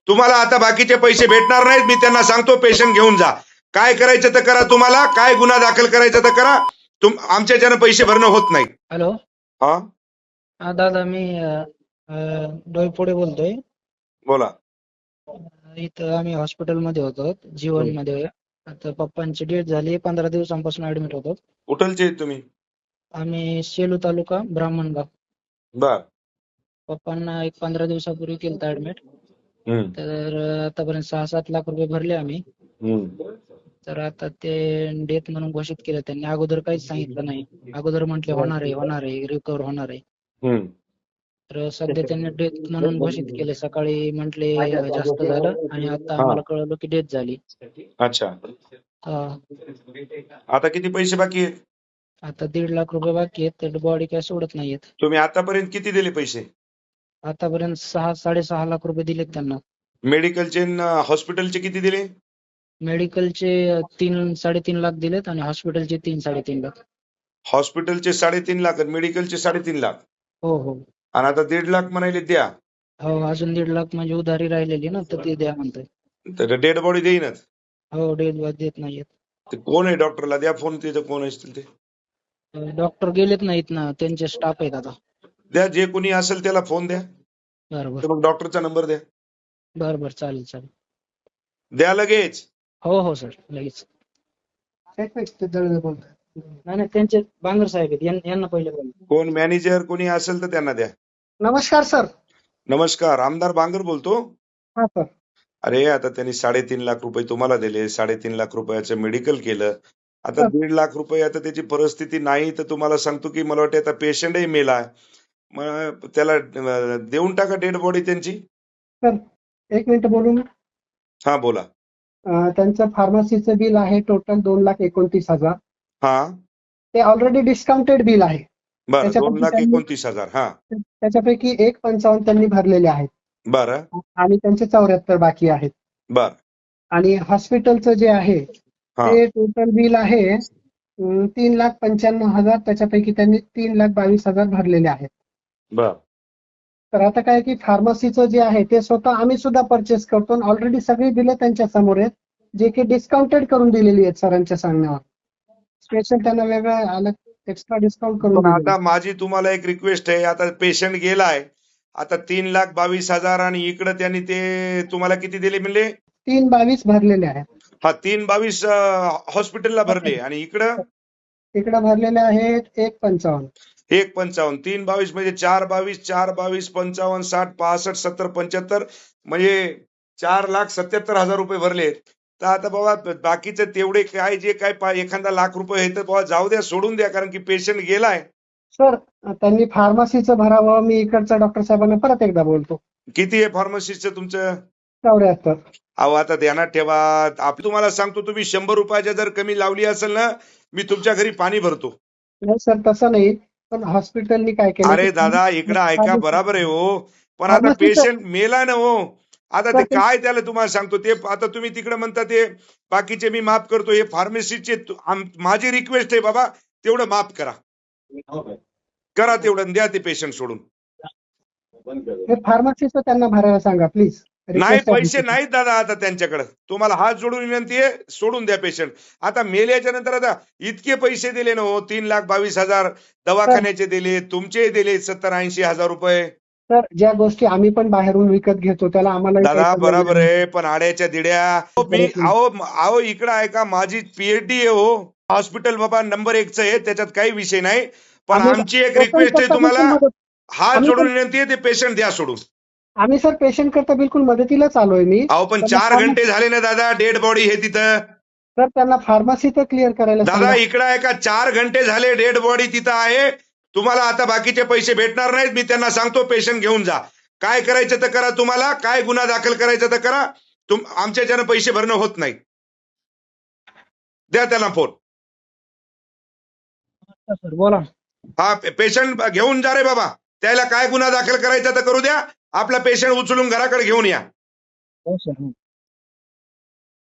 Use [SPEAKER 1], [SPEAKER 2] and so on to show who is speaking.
[SPEAKER 1] तुम्हाला आता बाकीचे पैसे भेटणार नाहीत. मी त्यांना सांगतो पेशंट घेऊन जा. काय करायचं तर करा. तुम्हाला काय गुन्हा दाखल करायचा तर करा. आमच्याच्यानं पैसे भरणं होत नाही.
[SPEAKER 2] हॅलो.
[SPEAKER 1] हा
[SPEAKER 2] हा दादा, मी डोईफोडे बोलतोय.
[SPEAKER 1] बोला.
[SPEAKER 2] इथं आम्ही हॉस्पिटलमध्ये होतो, जीवनमध्ये. आता पप्पांची डेथ झाली, 15 दिवसांपासून ऍडमिट होतो.
[SPEAKER 1] कुठलचे आहेत तुम्ही?
[SPEAKER 2] आम्ही सेलू तालुका, ब्राह्मणगाव.
[SPEAKER 1] बर.
[SPEAKER 2] पप्पांना एक 15 दिवसापूर्वी केलं ऍडमिट.
[SPEAKER 1] हम्म.
[SPEAKER 2] तर आतापर्यंत 6-7 लाख रुपये भरले आम्ही.
[SPEAKER 1] हम्म.
[SPEAKER 2] तर आता ते डेथ म्हणून घोषित केलं त्यांनी. अगोदर काहीच सांगितलं नाही. अगोदर म्हटले होणार आहे, रिकव्हर होणार आहे.
[SPEAKER 1] हम्म.
[SPEAKER 2] तर सध्या त्यांनी डेथ म्हणून घोषित केले. सकाळी म्हटले जास्त झालं आणि आता
[SPEAKER 1] हा.
[SPEAKER 2] आम्हाला कळलं की डेथ झाली.
[SPEAKER 1] अच्छा.
[SPEAKER 2] हा.
[SPEAKER 1] आता किती पैसे बाकी आहेत?
[SPEAKER 2] आता 1.5 लाख रुपये बाकी आहेत. तर बॉडी काय सोडत नाहीयेत.
[SPEAKER 1] तुम्ही आतापर्यंत किती दिले पैसे?
[SPEAKER 2] आतापर्यंत 6-6.5 लाख रुपये दिलेत त्यांना.
[SPEAKER 1] मेडिकलचे हॉस्पिटलचे किती दिले?
[SPEAKER 2] मेडिकलचे 3-3.5 लाख दिलेत आणि हॉस्पिटलचे 3-3.5 लाख.
[SPEAKER 1] हॉस्पिटलचे 3.5 लाख आणि मेडिकलचे 3.5 लाख.
[SPEAKER 2] हो हो
[SPEAKER 1] आणि आता 1.5 लाख म्हणाले द्या.
[SPEAKER 2] हो. अजून 1.5 लाख म्हणजे उधारी राहिलेली ना, तर ते द्या म्हणतोय.
[SPEAKER 1] तर डेड बॉडी देईनच.
[SPEAKER 2] हो, डेथ देत नाहीयेत.
[SPEAKER 1] ते कोण आहे डॉक्टरला द्या फोन. तिथं कोण असतील ते
[SPEAKER 2] डॉक्टर गेलेत नाहीत ना, त्यांचे स्टाफ आहेत आता.
[SPEAKER 1] द्या. जे कोणी असेल त्याला फोन द्या.
[SPEAKER 2] बरोबर.
[SPEAKER 1] तर मग डॉक्टरचा नंबर द्या.
[SPEAKER 2] बरोबर, चालेल चालेल.
[SPEAKER 1] द्या लगेच.
[SPEAKER 2] हो हो सर, लगेच. नाही नाही, त्यांचे बांगर साहेब आहेत, यांना पहिले बोला.
[SPEAKER 1] कोण मॅनेजर कोणी असेल तर त्यांना द्या.
[SPEAKER 3] नमस्कार सर.
[SPEAKER 1] नमस्कार. आमदार बांगर बोलतो.
[SPEAKER 3] हा सर.
[SPEAKER 1] अरे आता त्यांनी 3.5 लाख रुपये तुम्हाला दिले. 3.5 लाख रुपयाचं मेडिकल केलं. आता
[SPEAKER 3] सर.
[SPEAKER 1] 1.5 लाख रुपये. आता त्याची परिस्थिती नाही तर तुम्हाला सांगतो की मला वाटतं आता पेशंटही मेला. मग त्याला देऊन टाका डेड बॉडी त्यांची.
[SPEAKER 3] सर, एक मिनिट बोलू ना.
[SPEAKER 1] हा बोला.
[SPEAKER 3] त्यांचं फार्मसीचं बिल आहे टोटल 2,29,000.
[SPEAKER 1] हा
[SPEAKER 3] ते ऑलरेडी डिस्काउंटेड बिल आहे.
[SPEAKER 1] बरं.
[SPEAKER 3] त्याच्यापैकी
[SPEAKER 1] 2,29,000. हा
[SPEAKER 3] त्याच्यापैकी 1,55 त्यांनी भरलेले आहेत
[SPEAKER 1] बरं.
[SPEAKER 3] आणि त्यांचे 74 बाकी आहेत.
[SPEAKER 1] बर.
[SPEAKER 3] आणि हॉस्पिटलचं जे आहे
[SPEAKER 1] हा
[SPEAKER 3] ते टोटल बिल आहे 3,95,000. त्याच्यापैकी त्यांनी 3,22,000 भरलेले आहेत.
[SPEAKER 1] बर.
[SPEAKER 3] तर आता काय की फार्मसीचं जे आहे ते स्वतः आम्ही सुद्धा परचेस करतो. ऑलरेडी सगळी बिलं त्यांच्या समोर आहेत, जे की डिस्काउंटेड करून दिलेली आहेत सरांच्या सांगण्यावर. स्पेशल त्यांना वेगळं अलग एक्स्ट्रा डिस्काउंट करून
[SPEAKER 1] पण
[SPEAKER 3] दिलेलं
[SPEAKER 1] आता माझी तुम्हाला एक रिक्वेस्ट आहे. आता पेशंट गेलाय. आता 3,22,000 आणि इकडे त्यांनी ते तुम्हाला किती दिले म्हणले?
[SPEAKER 3] 3,22 भरलेले आहेत.
[SPEAKER 1] हा 3,22 हॉस्पिटलला भरले आणि इकडं
[SPEAKER 3] इकडे भरलेले आहेत 1,55.
[SPEAKER 1] 1,55. 3,22 म्हणजे 4,22 4,22 55 60 65 70 75 म्हणजे 4,77,000 रुपये भरलेत. तर आता बाबा बाकीचं तेवढे काय जे काय एखादा लाख रुपये आहे तर बाबा जाऊ द्या, सोडून द्या. कारण की पेशंट गेलाय.
[SPEAKER 3] सर, त्यांनी फार्मसीचं भरावं. मी इकडच्या डॉक्टर साहेबांना परत एकदा बोलतो.
[SPEAKER 1] किती आहे फार्मसीचं तुमचं?
[SPEAKER 3] 74.
[SPEAKER 1] अहो आता ध्यानात ठेवा. तुम्हाला सांगतो, तुम्ही 100 रुपयाच्या जर कमी लावली असेल ना, मी तुमच्या घरी पाणी भरतो.
[SPEAKER 3] नाही सर, तसं नाही. पण हॉस्पिटलनी काय केलं?
[SPEAKER 1] अरे दादा इकडं ऐका. बराबर आहे हो. पण आता
[SPEAKER 3] फार्मसीचं-
[SPEAKER 1] पेशंट मेला ना हो. आता ते
[SPEAKER 3] सर,
[SPEAKER 1] काय त्याला तुम्हाला सांगतो ते. आता तुम्ही तिकडे म्हणता ते बाकीचे मी माफ करतो. हे फार्मसीचे माझी रिक्वेस्ट आहे बाबा, तेवढं माफ करा. करा तेवढं आणि द्या ते पेशंट सोडून.
[SPEAKER 3] हे फार्मसीचं त्यांना भरायला सांगा प्लीज.
[SPEAKER 1] नाही पैसे नाहीत दादा आता त्यांच्याकडे. तुम्हाला हात जोडून विनंती आहे, सोडून द्या पेशंट. आता मेल्याच्या नंतर आता इतके पैसे दिले ना हो. 3,22,000 दवाखान्याचे दिले, तुमचे दिले 70-80 हजार रुपये.
[SPEAKER 3] सर, ज्या गोष्टी आम्ही पण बाहेरून विकत घेतो त्याला आम्हाला
[SPEAKER 1] दादा बरोबर आहे. पण आड्याच्या दिड्या. मी अहो इकडं ऐका. माझी पीएचडी आहे हो. हॉस्पिटल बाबा नंबर 1च आहे, त्याच्यात काही विषय नाही. पण आमची एक रिक्वेस्ट आहे तुम्हाला, हात जोडून विनंती आहे, ते पेशंट द्या सोडून.
[SPEAKER 3] आम्ही सर पेशंट करता बिलकुल मदतीलाच आलोय मी.
[SPEAKER 1] अहो पण 4 घंटे झाले ना दादा, डेड बॉडी आहे तिथं.
[SPEAKER 3] सर, त्यांना फार्मसीचं क्लिअर करायला
[SPEAKER 1] दादा
[SPEAKER 3] सांगा.
[SPEAKER 1] इकडं ऐका. 4 घंटे झाले डेड बॉडी तिथं आहे. तुम्हाला आता बाकीचे पैसे भेटणार नाहीत. मी त्यांना सांगतो पेशंट घेऊन जा. काय करायचं तर करा. तुम्हाला काय गुन्हा दाखल करायचा तर करा. आमच्याच्यानं पैसे भरणं होत नाही. द्या त्यांना फोन.
[SPEAKER 2] सर बोला.
[SPEAKER 1] हा पेशंट घेऊन जा रे बाबा. त्याला काय गुन्हा दाखल करायचा तर करू द्या. आपला पेशंट उचलून घराकडे घेऊन या.
[SPEAKER 2] हो सर.